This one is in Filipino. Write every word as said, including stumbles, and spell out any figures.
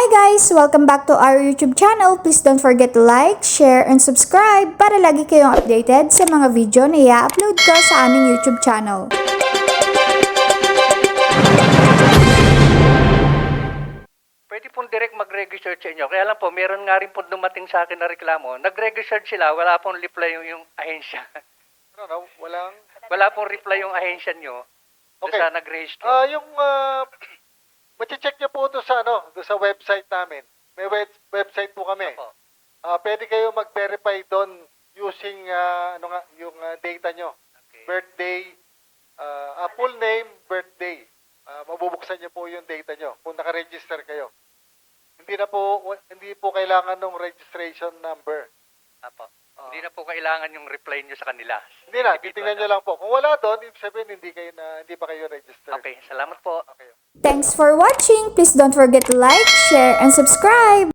Hi guys! Welcome back to our YouTube channel. Please don't forget to like, share, and subscribe para lagi kayong updated sa mga video na i-upload ko sa aming YouTube channel. Pwede pong direct mag-register sa inyo. Kaya lang po, meron nga rin po dumating sa akin na reklamo. Nag-register sila, wala pong reply yung, yung ahensya. Ano, no? Walang... Wala pong reply yung ahensya nyo Okay. sa nag-register. Ah, yung... Uh, Machi-check nyo po doon sa, ano, doon sa website namin. May web, website po kami. Opo. Ah, pwede kayo mag-verify doon using ah, ano nga, yung ah, data nyo. Okay. Birthday, ah, ah, full name, birthday. Ah, mabubuksan nyo po yung data nyo kung naka-register kayo. Hindi na po hindi po kailangan ng registration number. Apo. Ah. Hindi na po kailangan yung reply nyo sa kanila. Hindi na, Individual titingnan nyo lang po. Kung wala doon, ibig sabihin hindi kayo na hindi pa kayo registered. Okay, salamat po. Okay. Thanks for watching! Please don't forget to like, share, and subscribe!